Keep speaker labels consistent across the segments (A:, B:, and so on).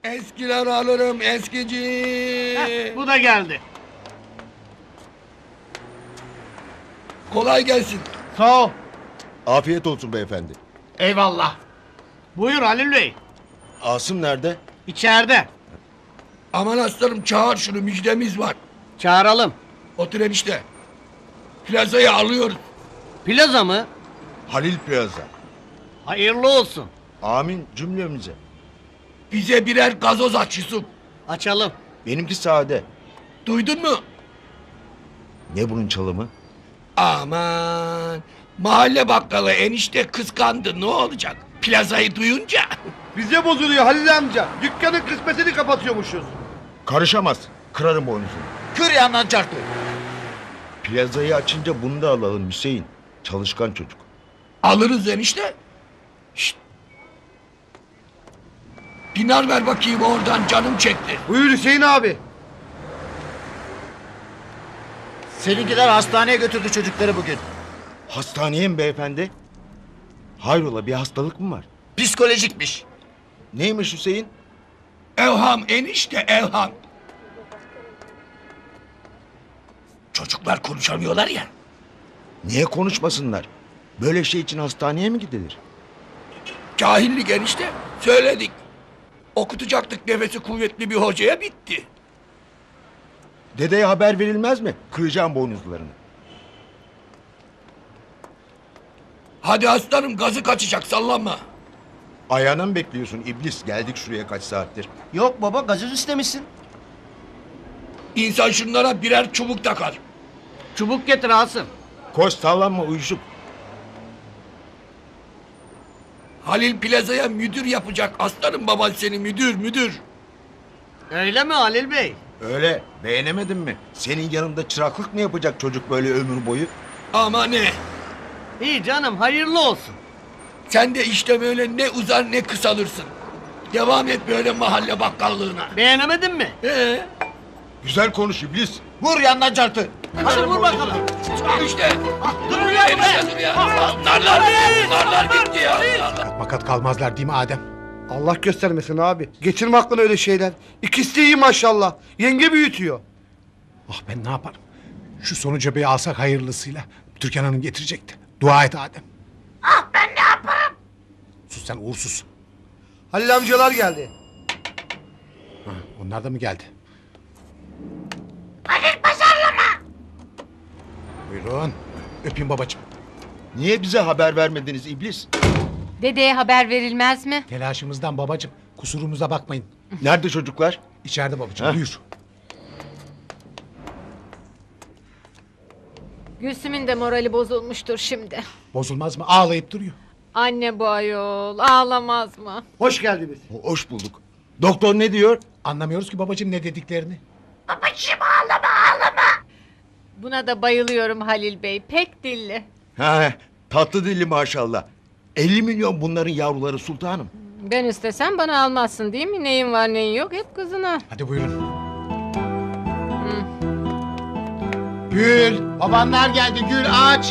A: Eskiler alırım eskici.
B: Bu da geldi.
A: Kolay gelsin.
B: Sağ ol.
C: Afiyet olsun beyefendi.
B: Eyvallah. Buyur Halil Bey.
C: Asım nerede?
B: İçeride.
A: Aman aslanım çağır şunu, müjdemiz var.
B: Çağıralım.
A: Otur enişte. Plazayı alıyoruz.
B: Plaza mı?
C: Halil Plaza.
B: Hayırlı olsun.
C: Amin cümlemize.
A: Bize birer gazoz aç Yusuf.
B: Açalım.
C: Benimki sade.
A: Duydun mu?
C: Ne bunun çalımı?
A: Aman. Mahalle bakkalı enişte kıskandı, ne olacak? Plazayı duyunca.
D: Bize bozuluyor Halil amca. Dükkanın kısmetini kapatıyormuşuz.
C: Karışamaz. Kırarım boynuzunu.
D: Kır yandan çarptı.
C: Plazayı açınca bunu da alalım Hüseyin. Çalışkan çocuk.
A: Alırız enişte. Şşt. Dinar ver bakayım oradan, canım çekti.
D: Buyur Hüseyin abi.
E: Seninkiler hastaneye götürdü çocukları bugün.
C: Hastaneye mi beyefendi? Hayrola bir hastalık mı var?
E: Psikolojikmiş.
C: Neymiş Hüseyin?
A: Evham enişte, evham. Çocuklar konuşamıyorlar ya.
C: Niye konuşmasınlar? Böyle şey için hastaneye mi gidilir?
A: Cahillik enişte, söyledik. Okutacaktık nefesi kuvvetli bir hocaya, bitti.
C: Dedeye haber verilmez mi? Kıracağım boynuzlarını.
A: Hadi aslanım, gazı kaçacak, sallanma.
C: Ayağına mı bekliyorsun iblis? Geldik şuraya kaç saattir.
E: Yok baba gazoz istemişsin.
A: İnsan şunlara birer çubuk takar.
B: Çubuk getir Asım.
C: Koş sallanma uyuşuk.
A: Halil Plaza'ya müdür yapacak aslanım, baban seni müdür.
B: Öyle mi Halil Bey?
C: Öyle beğenemedin mi? Senin yanında çıraklık mı yapacak çocuk böyle ömür boyu?
A: Ama ne?
B: İyi canım hayırlı olsun.
A: Sen de işte böyle ne uzar ne kısalırsın. Devam et böyle mahalle bakkallığına.
B: Beğenemedin mi?
C: Güzel konuş iblis.
E: Vur yandan çarptı.
B: Hadi vur bakalım.
A: İşte.
B: Dur ya
A: Enişte dur ya. Narlar gitti ya.
F: Makat kalmazlar değil mi Adem?
D: Allah göstermesin abi. Geçirme aklına öyle şeyler. İkisi de iyi maşallah. Yenge büyütüyor.
F: Ah ben ne yaparım? Şu sonucu bir alsak hayırlısıyla. Türkan Hanım getirecekti. Dua et Adem. Ah ben ne yaparım? Sus sen uğursuz.
D: Halil amcalar geldi.
F: Ha, onlar da mı geldi? Buyurun. Öpeyim babacığım.
C: Niye bize haber vermediniz iblis?
G: Dedeye haber verilmez mi?
F: Telaşımızdan babacığım. Kusurumuza bakmayın.
C: Nerede çocuklar?
F: İçeride babacığım.
C: Ha?
F: Buyur.
G: Gülsüm'ün de morali bozulmuştur şimdi.
F: Bozulmaz mı? Ağlayıp duruyor.
G: Anne bu ayol ağlamaz mı?
D: Hoş geldiniz.
C: Hoş bulduk. Doktor ne diyor?
F: Anlamıyoruz ki babacığım ne dediklerini.
G: Buna da bayılıyorum Halil Bey. Pek dilli.
C: Ha, tatlı dilli maşallah. 50 milyon bunların yavruları sultanım.
G: Ben istesem bana almazsın değil mi? Neyin var neyin yok hep kızına.
F: Hadi buyurun. Gül. Babanlar geldi. Gül aç.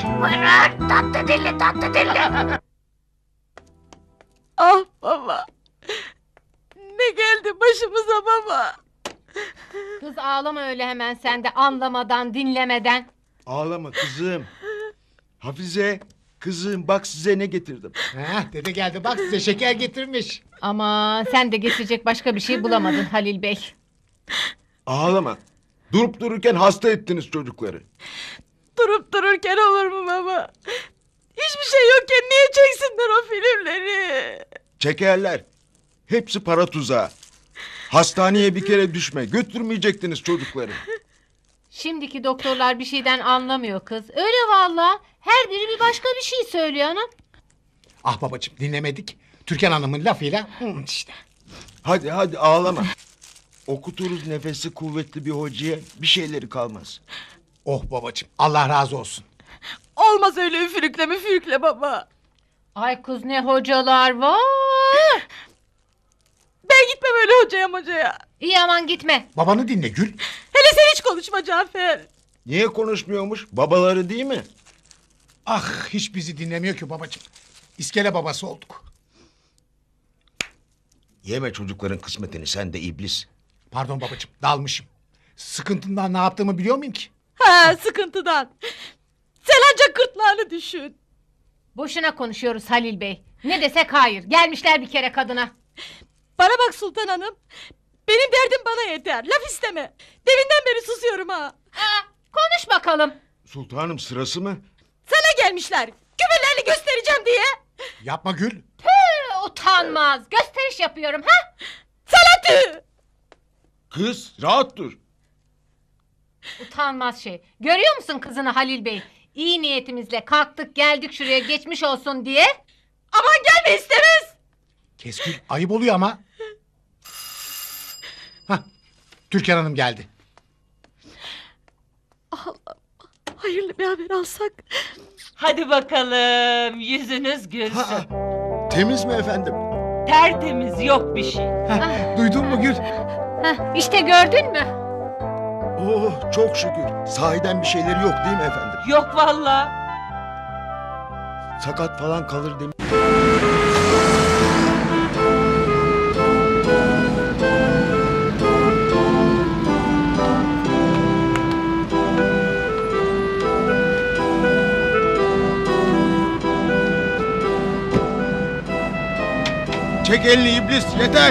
G: Ah baba. Ne geldi başımıza baba? Kız ağlama öyle hemen sen de anlamadan dinlemeden.
C: Ağlama kızım. Hafize, kızım bak size ne getirdim.
F: Heh, dede geldi bak size şeker getirmiş.
G: Ama sen de getirecek başka bir şey bulamadın Halil Bey.
C: Ağlama. Durup dururken hasta ettiniz çocukları.
H: Durup dururken olur mu baba? Hiçbir şey yokken niye çeksinler o filmleri?
C: Çekerler. Hepsi para tuzağı. Hastaneye bir kere düşme. Götürmeyecektiniz çocukları.
G: Şimdiki doktorlar bir şeyden anlamıyor kız. Öyle valla. Her biri bir başka bir şey söylüyor anam.
F: Ah babacığım dinlemedik. Türkan Hanım'ın lafıyla işte.
C: Hadi hadi ağlama. Okuturuz nefesi kuvvetli bir hocaya bir şeyleri kalmaz.
F: Oh babacığım Allah razı olsun.
H: Olmaz öyle üfürükle müfürükle baba.
G: Ay kız ne hocalar var.
H: Ben gitmem öyle hocaya.
G: İyi aman gitme.
F: Babanı dinle Gül.
H: Hele sen hiç konuşma Cafer.
C: Niye konuşmuyormuş? Babaları değil mi?
F: Ah hiç bizi dinlemiyor ki babacığım. İskele babası olduk.
C: Yeme çocukların kısmetini sen de iblis.
F: Pardon babacığım dalmışım. Sıkıntından ne yaptığımı biliyor muyum ki?
H: Ha, sıkıntıdan. Sen ancak gırtlağını düşün.
G: Boşuna konuşuyoruz Halil Bey. Ne desek hayır. Gelmişler bir kere kadına.
H: Bana bak Sultan Hanım. Benim derdim bana yeter. Laf isteme. Deminden beri susuyorum ha.
G: Konuş bakalım.
C: Sultanım sırası mı?
H: Sana gelmişler. Küpelerini göstereceğim diye.
F: Yapma Gül.
G: Utanmaz. Gösteriş yapıyorum ha?
H: Sana tüh.
C: Kız rahat dur.
G: Utanmaz şey. Görüyor musun kızını Halil Bey? İyi niyetimizle kalktık geldik şuraya geçmiş olsun diye.
H: Aman gelme istemez.
F: Kes Gül ayıp oluyor ama. Hah Türkan Hanım geldi.
H: Hayırlı bir haber alsak.
I: Hadi bakalım yüzünüz gülsün.
C: Temiz mi efendim?
I: Tertemiz yok bir şey.
F: Duydun mu Gül?
G: Heh, işte gördün mü?
C: Oh çok şükür. Sahiden bir şeyleri yok değil mi efendim?
I: Yok valla.
C: Sakat falan kalır demiş. Çek elini iblis yeter.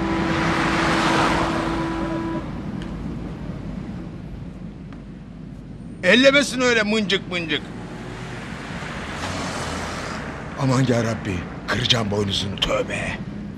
C: Ellemesin öyle mıncık mıncık. Aman yarabbi kıracağım boynuzunu tövbe.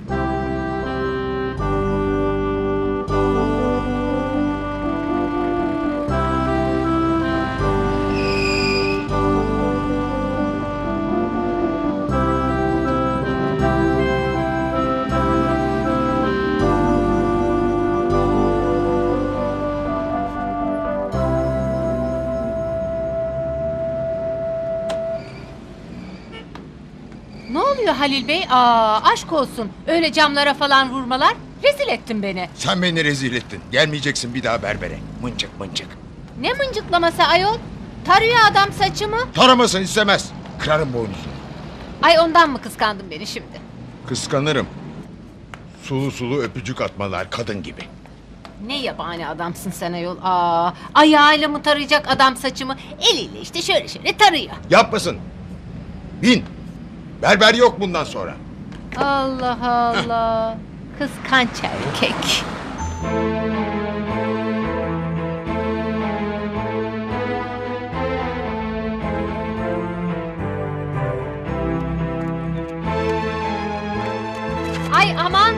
G: Ne oluyor Halil Bey? Aşk olsun. Öyle camlara falan vurmalar. Rezil ettin beni.
C: Sen beni rezil ettin. Gelmeyeceksin bir daha berbere. Mıncık mıncık.
G: Ne mıncıklaması ayol? Tarıyor adam saçımı.
C: Taramasın istemez. Kırarım boynuzunu.
G: Ay ondan mı kıskandın beni şimdi?
C: Kıskanırım. Sulu sulu öpücük atmalar kadın gibi.
G: Ne yabani adamsın sen ayol. Ayağıyla mı tarayacak adam saçımı? Eliyle işte şöyle şöyle tarıyor.
C: Yapmasın. Bin. Berber yok bundan sonra.
G: Allah Allah. Kıskanç erkek. Ay aman.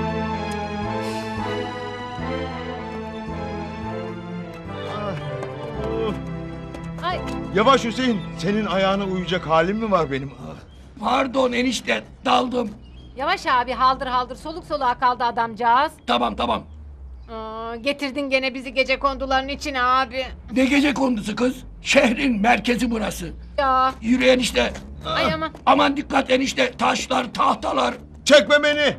G: Ay
C: Yavaş Hüseyin. Senin ayağına uyuyacak halim mi var benim?
A: Pardon enişte daldım.
G: yavaş abi haldır haldır soluk soluğa kaldı adamcağız.
A: Tamam.
G: Getirdin gene bizi gece konduların içine abi.
A: Ne gece kondusu kız? Şehrin merkezi burası.
G: Ya
A: Yürü enişte.
G: ay aman.
A: Aman dikkat enişte. Taşlar, tahtalar.
C: Çekme beni.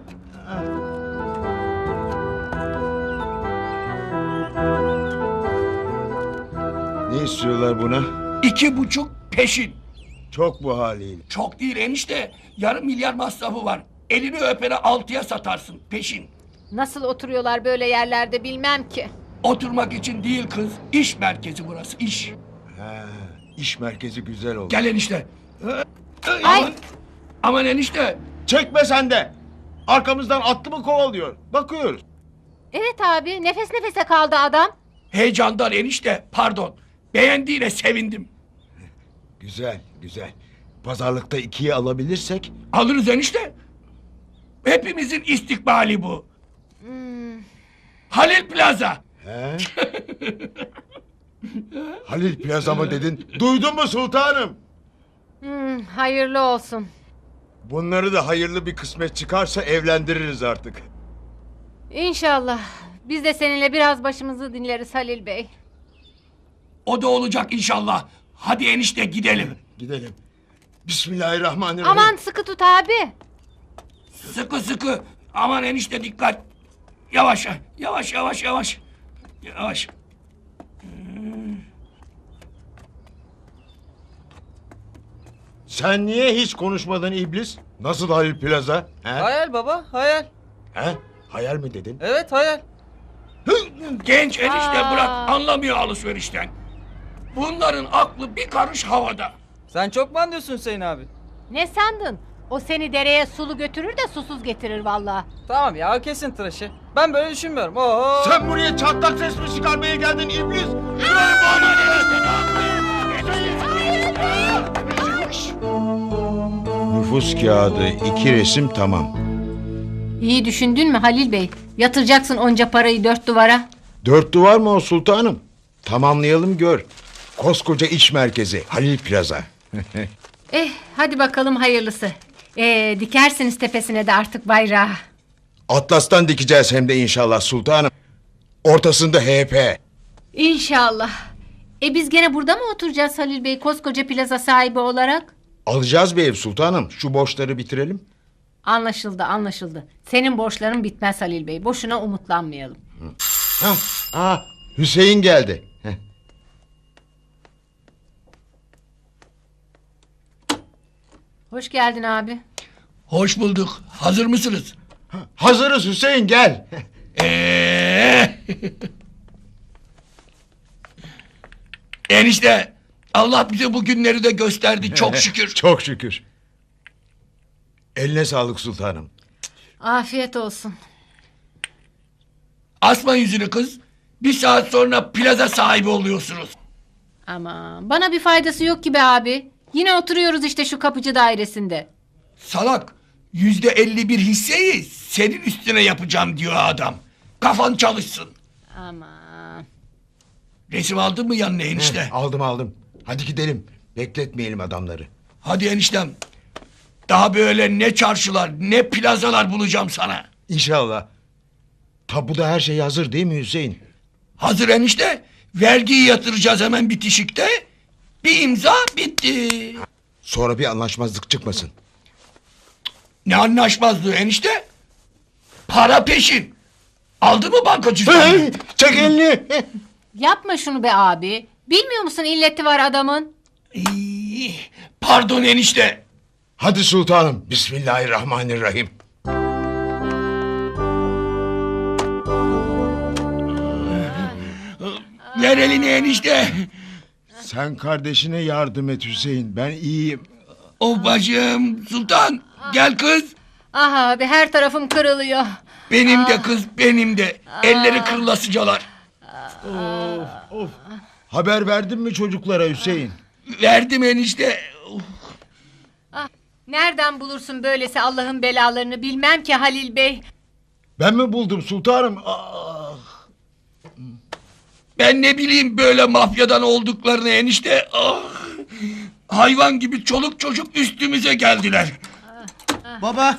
C: Ne istiyorlar buna?
A: 2,5 peşin.
C: Çok bu haliyle.
A: Çok değil enişte. Yarım milyar masrafı var. Elini öpene 6'ya satarsın peşin.
G: Nasıl oturuyorlar böyle yerlerde bilmem ki.
A: Oturmak için değil kız. İş merkezi burası iş.
C: Ha, iş merkezi güzel oldu.
A: Gel enişte.
G: Ay.
A: Aman enişte.
C: Çekme sen de. Arkamızdan attı mı kovalıyor. Bakıyoruz.
G: Evet abi nefes nefese kaldı adam.
A: Heyecandan enişte. Pardon. Beğendiğine sevindim.
C: Güzel güzel. Pazarlıkta 2'ye alabilirsek.
A: Alırız enişte. Hepimizin istikbali bu. Halil Plaza.
C: He? Halil Plaza mı dedin? Duydun mu sultanım?
G: Hayırlı olsun.
C: Bunları da hayırlı bir kısmet çıkarsa evlendiririz artık.
G: İnşallah. Biz de seninle biraz başımızı dinleriz Halil Bey.
A: O da olacak inşallah. Hadi enişte gidelim.
C: Gidelim. Bismillahirrahmanirrahim.
G: Aman sıkı tut abi.
A: Sıkı sıkı. Aman enişte dikkat. Yavaş yavaş. Yavaş.
C: Sen niye hiç konuşmadın iblis? Nasıl Halil Plaza? He?
B: Hayal baba hayal.
C: He? Hayal mi dedin?
B: Evet hayal.
A: Genç enişte
G: Aa.
A: bırak anlamıyor alışverişten. Bunların aklı bir karış havada.
B: Sen çok mu anlıyorsun Hüseyin abi?
G: Ne sandın? O seni dereye sulu götürür de susuz getirir vallahi.
B: Tamam ya kesin tıraşı. Ben böyle düşünmüyorum. Oho.
C: Sen buraya çatlak ses mi çıkarmaya geldin iblis? Nüfus kağıdı, 2 resim tamam.
G: İyi düşündün mü Halil Bey? Yatıracaksın onca parayı dört duvara.
C: 4 duvar mı o sultanım? Tamamlayalım gör. Koskoca iç merkezi Halil Plaza.
G: Hadi bakalım hayırlısı. Dikersiniz tepesine de artık bayrağı.
C: Atlas'tan dikeceğiz hem de inşallah sultanım. Ortasında HP.
G: İnşallah. Biz gene burada mı oturacağız Halil Bey koskoca plaza sahibi olarak?
C: Alacağız bir ev sultanım. Şu borçları bitirelim.
G: Anlaşıldı anlaşıldı. Senin borçların bitmez Halil Bey. Boşuna umutlanmayalım.
C: Hüseyin geldi.
G: Hoş geldin abi.
A: Hoş bulduk. Hazır mısınız?
C: Hazırız Hüseyin gel.
A: Enişte Allah bize bu günleri de gösterdi çok şükür.
C: Çok şükür. Eline sağlık sultanım.
G: Afiyet olsun.
A: Asma yüzünü kız. Bir saat sonra plaza sahibi oluyorsunuz.
G: Aman bana bir faydası yok gibi abi. Yine oturuyoruz işte şu kapıcı dairesinde.
A: Salak. %51 hisseyi senin üstüne yapacağım diyor adam. Kafan çalışsın.
G: Aman.
A: Resim aldın mı yanına enişte?
C: Aldım. Hadi gidelim. Bekletmeyelim adamları.
A: Hadi eniştem. Daha böyle ne çarşılar ne plazalar bulacağım sana.
C: İnşallah. Tabuda her şey hazır değil mi Hüseyin?
A: Hazır enişte. Vergiyi yatıracağız hemen bitişikte. Bir imza bitti.
C: Sonra bir anlaşmazlık çıkmasın.
A: Ne anlaşmazlığı enişte? Para peşin. Aldı mı banka cüzdanını?
C: Çek elini.
G: Yapma şunu be abi. Bilmiyor musun illeti var adamın?
A: Pardon enişte.
C: Hadi sultanım. Bismillahirrahmanirrahim.
A: Ver elini enişte.
C: Sen kardeşine yardım et Hüseyin. Ben iyiyim.
A: O bacım sultan. Gel kız.
G: Ah abi her tarafım kırılıyor.
A: Benim de kız benim de. Elleri kırılasıcalar.
C: Haber verdin mi çocuklara Hüseyin?
A: Verdim enişte.
G: Nereden bulursun böylesi Allah'ın belalarını bilmem ki Halil Bey.
C: Ben mi buldum sultanım?
A: Ben ne bileyim böyle mafyadan olduklarını enişte. Ah. Hayvan gibi çoluk çocuk üstümüze geldiler.
B: Baba.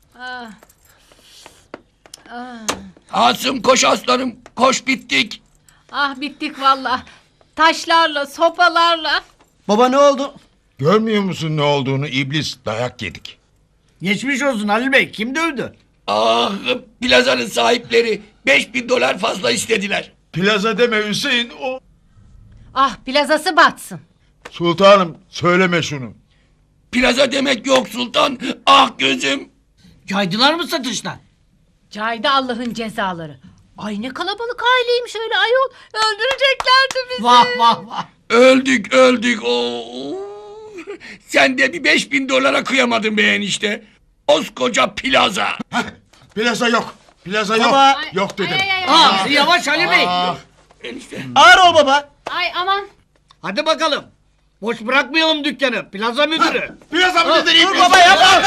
A: Asım koş aslanım. Koş bittik.
G: Ah bittik valla. Taşlarla sopalarla.
B: Baba ne oldu?
C: Görmüyor musun ne olduğunu iblis? Dayak yedik.
B: Geçmiş olsun Halil Bey. Kim dövdü?
A: Ah plazanın sahipleri $5.000 fazla istediler.
C: Plaza deme Hüseyin.
G: Ah plazası batsın.
C: Sultanım söyleme şunu.
A: Plaza demek yok sultan. Ah gözüm.
B: Caydılar mı satıştan?
G: Caydı Allah'ın cezaları. Ay ne kalabalık aileymiş öyle ayol. Öldüreceklerdi bizi.
B: Vah vah vah.
A: Öldük. Oo. Sen de bir $5.000 kıyamadın be enişte. Koskoca plaza.
C: Plaza yok. Plaza yok.
B: Baba.
C: Yok dedim.
B: Aa, yavaş Halil Bey.
A: Enişte.
B: Ağır ol baba.
G: Ay aman.
B: Hadi bakalım. Boş bırakmayalım dükkanı. Plaza müdürü.
C: Plaza mı dedin?
B: Dur baba yapma.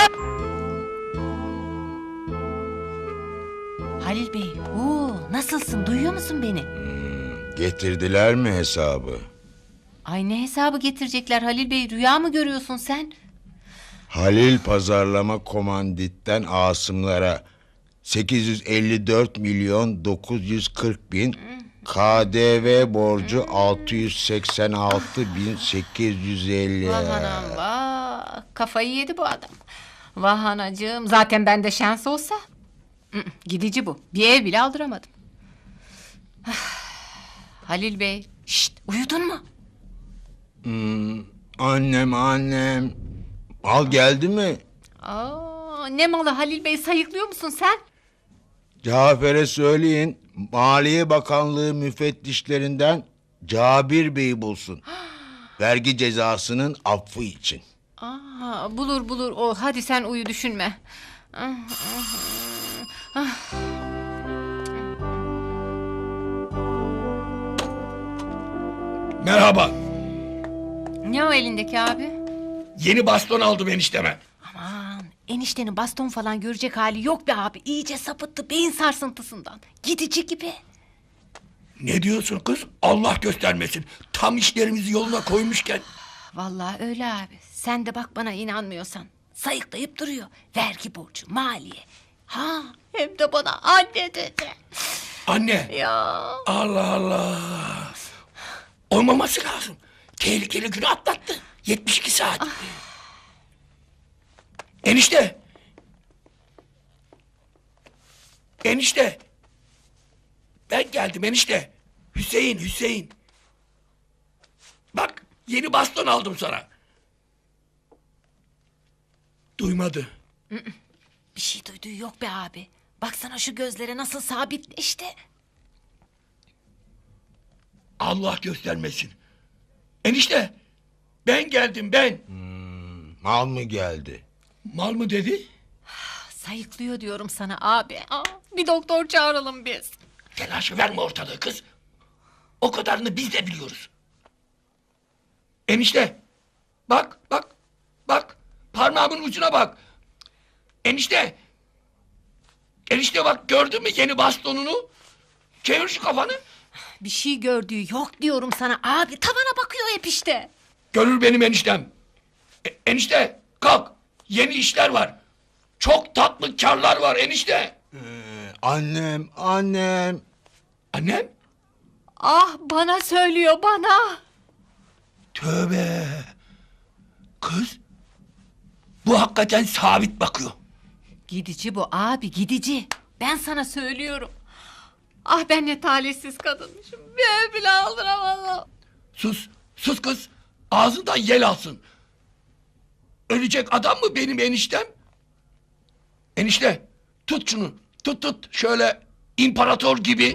G: Halil Bey. Nasılsın duyuyor musun beni?
C: Getirdiler mi hesabı?
G: Ay ne hesabı getirecekler Halil Bey rüya mı görüyorsun sen?
C: Halil Pazarlama Komandit'ten Asımlara 854.940.000 KDV borcu 686.850.
G: Vah anam vah. Kafayı yedi bu adam. Vah anacığım zaten bende şans olsa. Gidici bu. Bir ev bile aldıramadım. Halil Bey. Şşt uyudun mu?
C: Annem. Al geldi mi?
G: Ne malı Halil Bey sayıklıyor musun sen?
C: Cafer'e söyleyin, Maliye Bakanlığı müfettişlerinden Cabir Bey'i bulsun. Vergi cezasının affı için.
G: Aa, bulur o. Hadi sen uyu, düşünme.
A: Merhaba.
G: Ne o elindeki abi?
A: Yeni baston aldım enişteme.
G: Aman, eniştenin baston falan görecek hali yok be abi. İyice sapıttı beyin sarsıntısından. Gidici gibi.
A: Ne diyorsun kız? Allah göstermesin. Tam işlerimizi yoluna koymuşken.
G: Vallahi öyle abi. Sen de bak bana inanmıyorsan. Sayıklayıp duruyor. Vergi borcu, maliye. Ha, hem de bana anne dedi.
A: Anne.
G: Ya.
A: Allah Allah. Olmaması lazım. Tehlikeli günü atlattı. 72 saat. Enişte. Enişte. Ben geldim enişte. Hüseyin. Bak yeni baston aldım sana. Duymadı.
G: Bir şey duyduğu yok be abi. Baksana şu gözlere nasıl sabitleşti.
A: Allah göstermesin. Enişte. Ben geldim ben.
C: Mal mı geldi?
A: Mal mı dedi?
G: Sayıklıyor diyorum sana abi. Aa, bir doktor çağıralım biz.
A: Telaşı verme ortalığı kız. O kadarını biz de biliyoruz. Enişte. Bak. Parmağımın ucuna bak. Enişte. Enişte bak, gördün mü yeni bastonunu? Çevir şu kafanı.
G: Bir şey gördüğü yok diyorum sana abi. Tavana bakıyor hep işte.
A: Görür benim eniştem. Enişte kalk. Yeni işler var. Çok tatlı karlar var enişte.
C: Annem.
A: Annem?
G: Ah, bana söylüyor bana.
A: Tövbe. Kız. Bu hakikaten sabit bakıyor.
G: Gidici bu abi, gidici. Ben sana söylüyorum. Ah, ben ne talihsiz kadınmışım. Bir ev bile aldıramadım.
A: Sus kız. Ağzından yel alsın. Ölecek adam mı benim eniştem? Enişte tut şunu. Tut. Şöyle imparator gibi.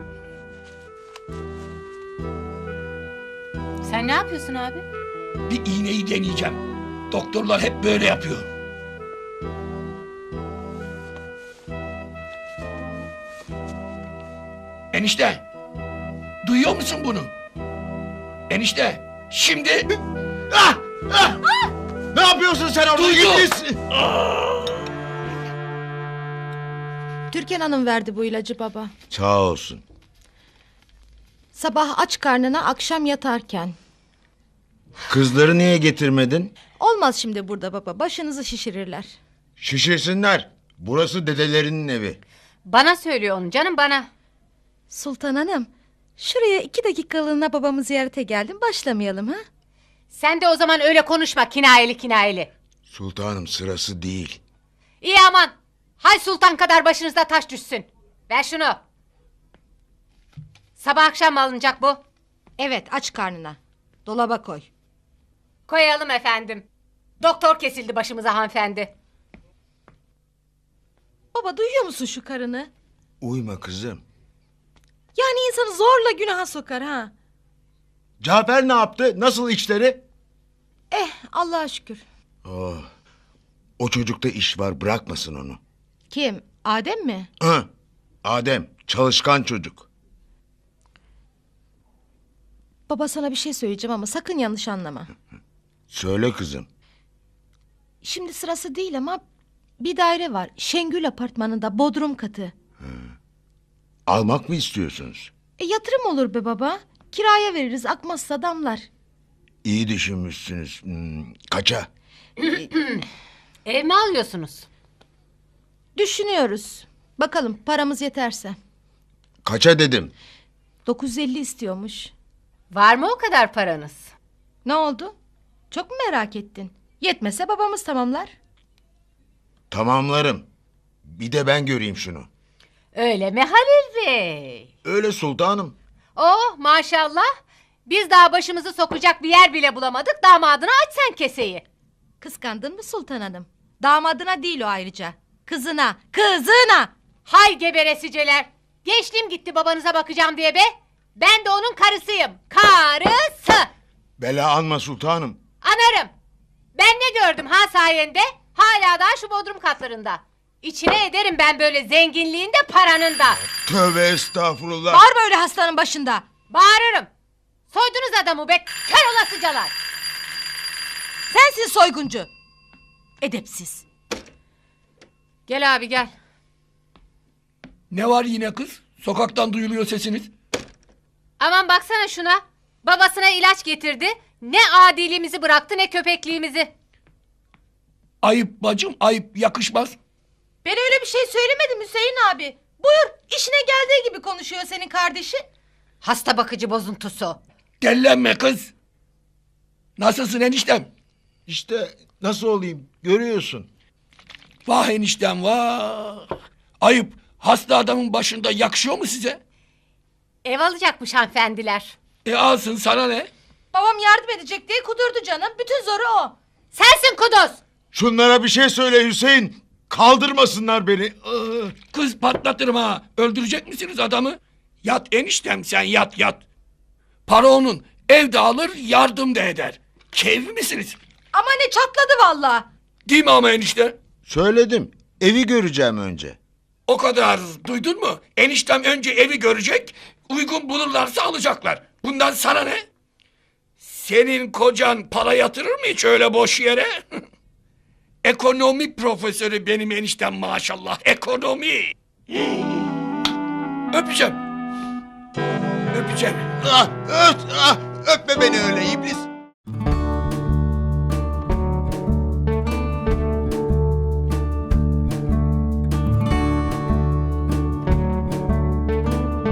G: Sen ne yapıyorsun abi?
A: Bir iğneyi deneyeceğim. Doktorlar hep böyle yapıyor. Enişte. Duyuyor musun bunu? Enişte. Şimdi...
C: Ne yapıyorsun sen orada
A: Duydum.
C: İblis?
J: Türkan Hanım verdi bu ilacı baba.
C: Sağ olsun.
J: Sabah aç karnına, akşam yatarken.
C: Kızları niye getirmedin?
J: Olmaz şimdi burada baba, başınızı şişirirler.
C: Şişirsinler. Burası dedelerinin evi.
G: Bana söylüyor onu canım, bana.
J: Sultan Hanım, şuraya 2 dakikalığına babamı ziyarete geldim, başlamayalım ha?
G: Sen de o zaman öyle konuşma, kinayeli.
C: Sultanım, sırası değil.
G: İyi aman. Hay sultan kadar başınızda taş düşsün. Ver şunu. Sabah akşam mı alınacak bu?
J: Evet, aç karnına. Dolaba koy.
G: Koyalım efendim. Doktor kesildi başımıza hanımefendi.
J: Baba, duyuyor musun şu karını?
C: Uyma kızım.
J: Yani insanı zorla günaha sokar ha.
C: Cafer ne yaptı? Nasıl işleri?
J: Allah'a şükür.
C: Oh. O çocukta iş var, bırakmasın onu.
J: Kim? Adem mi?
C: Hı. Adem, çalışkan çocuk.
J: Baba, sana bir şey söyleyeceğim ama sakın yanlış anlama.
C: Söyle kızım.
J: Şimdi sırası değil ama bir daire var. Şengül apartmanında, bodrum katı.
C: Almak mı istiyorsunuz?
J: Yatırım olur be baba. Kiraya veririz, akmazsa damlar.
C: İyi düşünmüşsünüz. Kaça?
G: Ev mi alıyorsunuz?
J: Düşünüyoruz. Bakalım paramız yeterse.
C: Kaça dedim.
J: 950 istiyormuş.
G: Var mı o kadar paranız?
J: Ne oldu? Çok mu merak ettin? Yetmese babamız tamamlar.
C: Tamamlarım. Bir de ben göreyim şunu.
G: Öyle mi Halil Bey?
C: Öyle sultanım.
G: Oh maşallah. Biz daha başımızı sokacak bir yer bile bulamadık. Damadına aç sen keseyi.
J: Kıskandın mı Sultan Hanım? Damadına değil o ayrıca. Kızına.
G: Hay geberesiceler. Gençliğim gitti babanıza bakacağım diye be. Ben de onun karısıyım. Karısı.
C: Bela anma sultanım.
G: Anarım. Ben ne gördüm ha sayende? Hala daha şu bodrum katlarında. İçine ederim ben böyle zenginliğin de paranın da.
C: Tövbe estağfurullah.
J: Bağırma öyle hastanın başında.
G: Bağırırım. Soydunuz adamı be kör olasıcalar.
J: Sensin soyguncu. Edepsiz.
G: Gel abi gel.
A: Ne var yine kız? Sokaktan duyuluyor sesiniz.
G: Aman baksana şuna. Babasına ilaç getirdi. Ne adiliğimizi bıraktı ne köpekliğimizi.
A: Ayıp bacım ayıp yakışmaz.
J: Ben öyle bir şey söylemedim Hüseyin abi. Buyur işine geldiği gibi konuşuyor senin kardeşin.
G: Hasta bakıcı bozuntusu.
A: Dellenme kız. Nasılsın eniştem?
C: İşte nasıl olayım görüyorsun.
A: Vah eniştem vah. Ayıp hasta adamın başında yakışıyor mu size?
G: Ev alacakmış hanımefendiler.
A: Alsın sana ne?
J: Babam yardım edecek diye kudurdu canım. Bütün zoru o.
G: Sensin kuduz.
C: Şunlara bir şey söyle Hüseyin. Kaldırmasınlar beni.
A: Kız patlatırım ha. Öldürecek misiniz adamı? Yat eniştem sen yat yat. Para onun. Ev de alır yardım da eder. Keyif misiniz?
J: Ama ne çatladı valla.
A: Değil mi ama enişte?
C: Söyledim. Evi göreceğim önce.
A: O kadar duydun mu? Eniştem önce evi görecek. Uygun bulurlarsa alacaklar. Bundan sana ne? Senin kocan para yatırır mı hiç öyle boş yere? Ekonomi profesörü benim eniştem maşallah. Ekonomi. Öpeceğim. Öpeceğim.
C: Öpme beni öyle iblis.